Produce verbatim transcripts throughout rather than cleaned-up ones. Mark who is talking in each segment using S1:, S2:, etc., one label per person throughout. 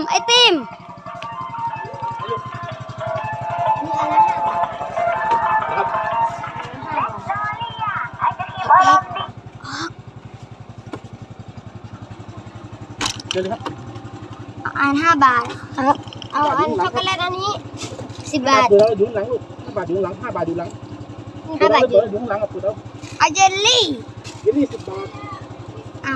S1: ไอติมมีอะไรครับ
S2: เดี๋ยวเลยครับ
S1: อันห้าบาทครับเอาอันช็อกโกแลตอันนี้สิบบาท
S2: เดี๋ยวเราดูหลังลูกห้าบาทดูหลังห้าบาทดูหลัง
S1: ห้าบาท
S2: เดี๋ยวดูหลังกับปุ๋ยเอา
S1: เอาเยลลี่
S2: เดี๋ยวนี่สิบบาท
S1: เอา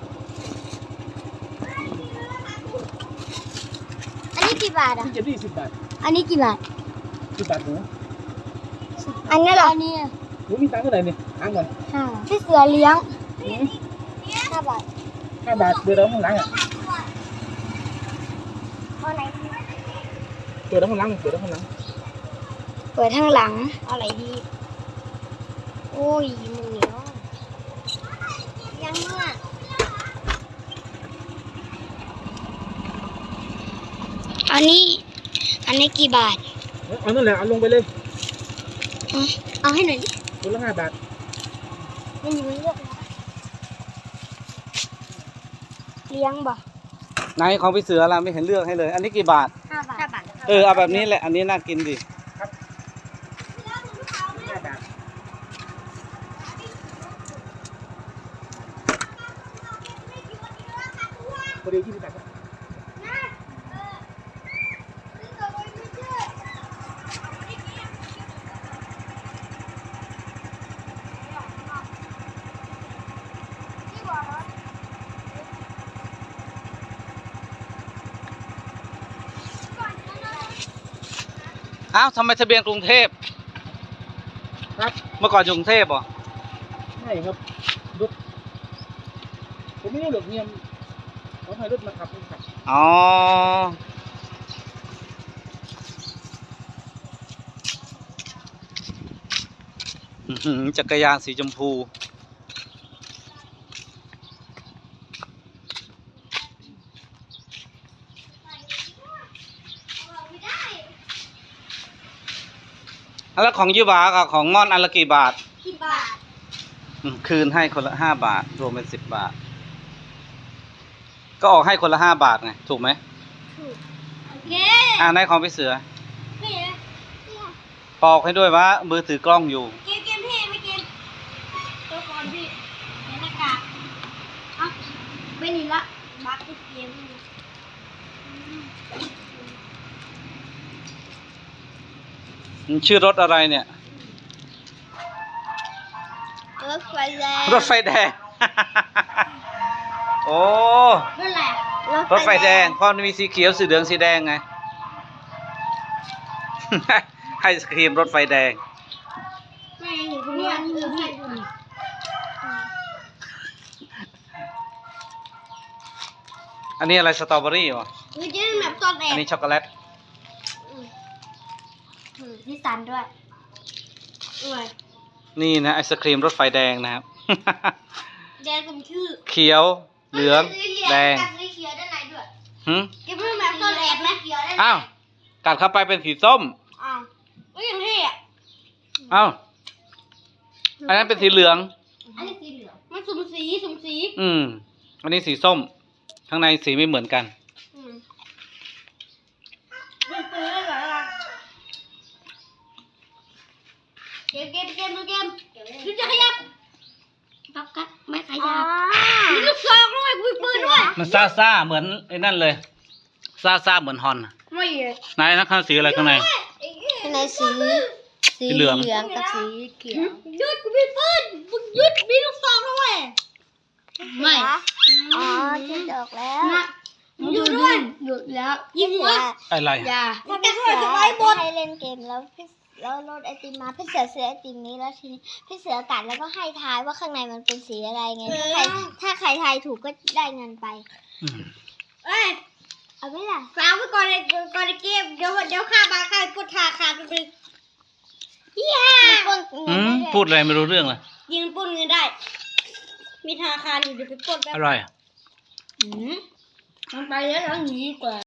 S1: อันนี้กี่บาทอ่ะ
S2: เดี๋ยวนี่สิบบาท
S1: อันนี้กี่บาท
S2: สิบบาทหนู
S1: อันนี้เหรออันนี้
S2: หนูมีตังค์เท่าไหร่เนี่ยถามก่อน
S1: ห้าพี่เสือเลี้ยงห้าบาท
S2: ห้าบาทเดี๋ยวเราข้างหลังอ่ะ
S1: เอาไหน
S2: เดี๋ยวเราข้างหลังเดี๋ยวเราข้างหลัง
S1: เปิดข้างหลังเอาอะไรดีโอ้ยมันเหนียวยังเนี่ยอันนี้อันนี้กี่บาท
S2: เอานั่นแหละเอาลงไปเลย
S1: เอาเอาให้หน่อยดิ
S2: คนละห้าบาท
S1: มันอยู่ไม่เลือกเลี้ยงบ่
S3: ไหนของพี่เสือเราไม่เห็นเลือกให้เลย อันนี้กี่บาท
S1: ห้าบาทห้าบาท
S3: เออเอาแบบนี้แหละอันนี้น่ากินดิ
S2: ห้าบาทพอดียี่สิบบาทครับ
S3: อ้าวทำไมทะเบียนกรุงเทพ
S2: ครับ
S3: เมื่อก่อนอยู่กรุงเทพเหรอ
S2: ใช่ครับรถผมไม่รู้หรอกเนี่ยเขาให้รถมาขับมาขับ
S3: อ๋ออื้อหือจักรยานสีชมพูแล้วของยูบากับของม่อนอันละกี่บาท
S1: กี่บาท
S3: อืมคืนให้คนละห้าบาท รวมเป็นสิบบาท ก็ออกให้คนละห้าบาทไง ถูกไหม
S1: ถูกโอเค
S3: อ่าในของพี่เสือ
S1: นี่นะ
S3: ปอกให้ด้วยว่ามือถือกล้องอยู่
S1: เกมเกมพี่ไม่เกมตัวก่อนพี่ในหน้ากากเอ้าไม่นี่ละบักเกมนี่
S3: มันชื่อรถอะไรเนี่ย
S1: รถไฟแดง
S3: รถไฟแดง โอ้
S1: รถอะไร
S3: รถไฟแดงเพราะมันมีสีเขียวสีเหลืองสีแดงไง ให้สครีมรถไฟแดง
S1: ไม่เห็นคุณเนี่ยเออพี่ดูดิ
S3: อันนี้อะไรสตรอเบอรี่วะ
S1: คือจะแบบตอนแอ
S3: อั
S1: บ
S3: นนี้ช็อกโกแลต
S1: พี่สันด้วยด้วย
S3: นี่นะไอศครีมรถไฟแดงนะครับ
S1: แดงผมชื่อ
S3: เขียวเหลืองแดง
S1: กัดสีเขียวด้านในด้วย
S3: หึ
S1: จะเพิ่งแบบตอนแอบไหมเขียวด้านใน
S3: อ้าวกัดเข้าไปเป็นสีส้ม
S1: อ้าวก็ยังเท่อะ
S3: อ้าวอันนั้นเป็นสีเหลือง
S1: อันนี้สีเหลืองมันสุ่มสีสุ่มสี
S3: อืม อันนี้สีส้ม ข้างในสีไม่เหมือนกัน
S1: อืมเป็นปืนได้เหรอเกมเกมเกมดูเกมดูจะขยับปักกัดไม่ขยับมีลูกซองด้วยมีปืนด้วย
S3: มันซ่าซ่าๆเหมือนไอ้นั่นเลยซ่าซ่าๆเหมือนฮอนน่ะ
S1: ไม่เลย
S3: ไหนนะข้างสีอะไรข้างใน
S1: ข้างในสี
S3: สีเหลือง
S1: กับสีเขียวยุดกูมีปืนมึงยุดมีลูกซองด้วยไม่อ๋อจะดอกแล้วหยุดด้วยหยุดแล้วยิงหัว
S3: อะไร
S1: อย่า
S4: ถ้าพี่เสือให้เล่นเกมแล้วพี่แล้วรถไอติมมาพี่เสือซื้อไอติมนี้แล้วทีนี้พี่เสือกัดแล้วก็ให้ทายว่าข้างในมันเป็นสีอะไรไงถ้าใครถ้าใครทายถูกก็ได้เงินไป
S3: อืม
S1: เอ้ย
S4: เอาไหมล่ะ
S1: ฝากไว้ก่อนในก่อนในเกมเดี๋ยวเดี๋ยวข้ามาข้าปวดขาขาดไปเลยยี่ห้า
S4: มันปล้น
S3: อื
S4: เงิน
S3: ม
S4: ได้
S3: พูดอะไรไม่รู้เรื่องเลย
S1: ยิงปล้นเงินได้ มีธนาคารอยู่เดี๋ยวไปปล้นแป๊บ
S3: อะไร
S1: อืมมันไปแล้วแล้วหนีดีกว่า